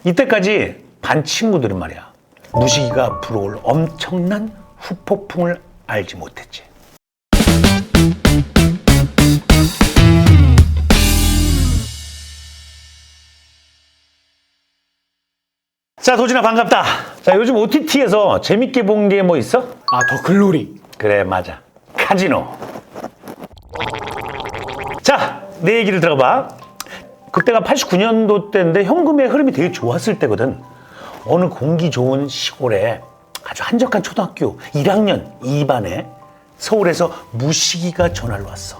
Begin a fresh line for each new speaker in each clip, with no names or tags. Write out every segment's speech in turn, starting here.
이때까지 반 친구들은 말이야, 무식이가 불어올 엄청난 후폭풍을 알지 못했지. 자, 도진아 반갑다. 자, 요즘 OTT에서 재밌게 본 게 뭐 있어?
아, 더 글로리.
그래, 맞아. 카지노. 자, 내 얘기를 들어봐. 그때가 89년도 때인데 현금의 흐름이 되게 좋았을 때거든. 어느 공기 좋은 시골에 아주 한적한 초등학교 1학년 2반에 서울에서 무식이가 전화를 왔어.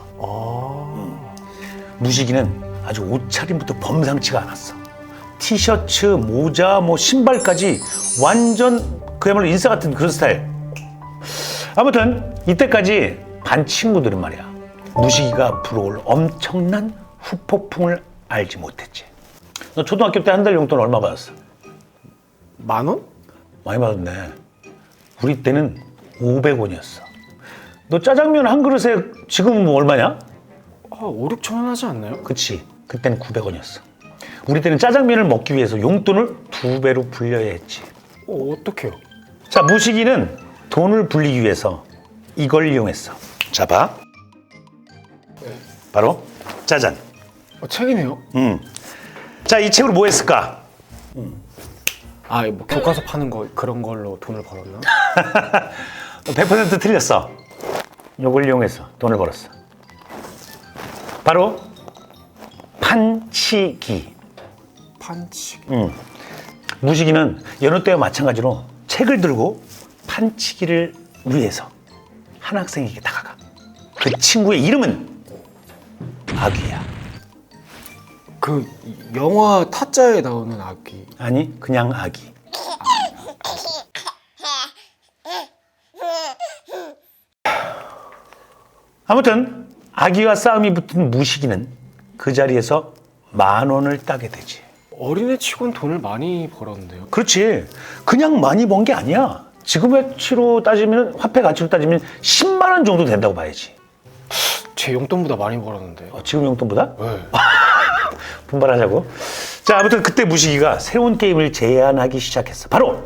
무식이는 아주 옷차림부터 범상치가 않았어. 티셔츠, 모자, 신발까지 완전 그야말로 인싸 같은 그런 스타일. 아무튼 이때까지 반 친구들은 말이야, 무식이가 불어올 엄청난 후폭풍을 알지 못했지. 너 초등학교 때 한 달 용돈 얼마 받았어?
10,000원?
많이 받았네. 우리 때는 500원이었어. 너 짜장면 한 그릇에 지금은 뭐 얼마냐?
5, 6천 원 하지 않나요?
그치. 그때는 900원이었어. 우리 때는 짜장면을 먹기 위해서 용돈을 2배로 불려야 했지.
어떡해요?
자, 무식이는 돈을 불리기 위해서 이걸 이용했어. 자, 봐. 바로 짜잔.
책이네요.
자, 이 책으로 뭐 했을까?
아, 뭐 교과서 파는 거 그런 걸로 돈을 벌었나?
100% 틀렸어. 이걸 이용해서 돈을 벌었어. 바로 판치기.
판치기.
무식이는 여느 때와 마찬가지로 책을 들고 판치기를 위해서 한 학생에게 다가가. 그 친구의 이름은 아귀야.
그 영화 타짜에 나오는 아기.
아니, 그냥 아기. 아무튼 아기와 싸움이 붙은 무식이는 그 자리에서 10,000원을 따게 되지.
어린애 치곤 돈을 많이 벌었는데요.
그렇지. 그냥 많이 번 게 아니야. 지금 화치로 따지면, 화폐 가치로 따지면 10만 원 정도 된다고 봐야지.
제 용돈보다 많이 벌었는데요.
지금 용돈보다?
네.
분발하자고. 자, 아무튼 그때 무식이가 새로운 게임을 제안하기 시작했어. 바로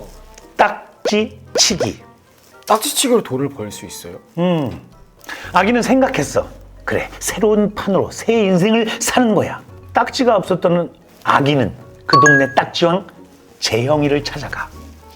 딱지치기.
딱지치기로 돈을 벌 수 있어요?
아기는 생각했어. 그래, 새로운 판으로 새 인생을 사는 거야. 딱지가 없었던 아기는 그 동네 딱지왕 재영이를 찾아가.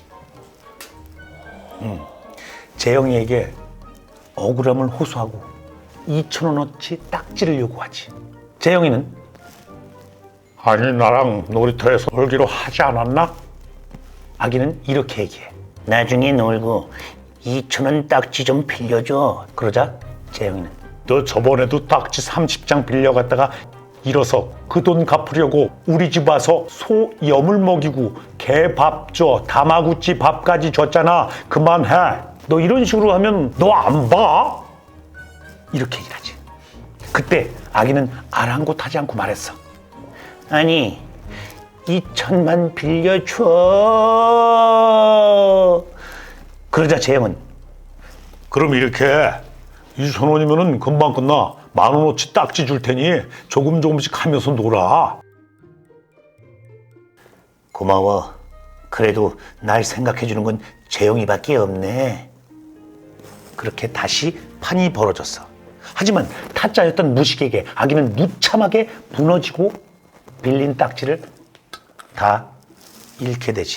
재영이에게 억울함을 호소하고 2,000원어치 딱지를 요구하지. 재영이는 아니, 나랑 놀이터에서 놀기로 하지 않았나? 아기는 이렇게 얘기해. 나중에 놀고 2,000원 딱지 좀 빌려줘. 그러자 재영이는 너 저번에도 딱지 30장 빌려갔다가 잃어서 그 돈 갚으려고 우리 집 와서 소 염을 먹이고 개 밥 줘, 다마구치 밥까지 줬잖아. 그만해. 너 이런 식으로 하면 너 안 봐? 이렇게 얘기를 하지. 그때 아기는 아랑곳하지 않고 말했어. 아니, 2,000만 빌려줘. 그러자 재영은 그럼 이렇게 2,000원이면은 금방 끝나. 10,000원어치 딱지 줄 테니 조금씩 하면서 놀아. 고마워. 그래도 날 생각해 주는 건 재영이밖에 없네. 그렇게 다시 판이 벌어졌어. 하지만 타짜였던 무식에게 아기는 무참하게 무너지고 빌린 딱지를 다 잃게 되지.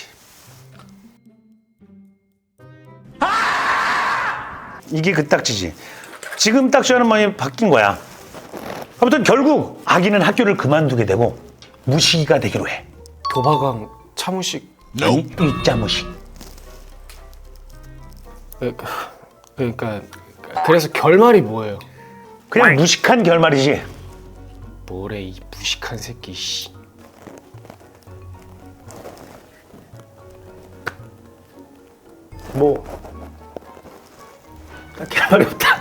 이게 그 딱지지. 지금 딱지와는 많이 바뀐 거야. 아무튼 결국 아기는 학교를 그만두게 되고 무식이가 되기로 해.
도박왕 차무식.
아니, 일자무식.
그러니까 그래서 결말이 뭐예요?
그냥 무식한 결말이지.
뭐래 이 무식한 새끼. 씨.
뭐 딱히 할 말이 없다.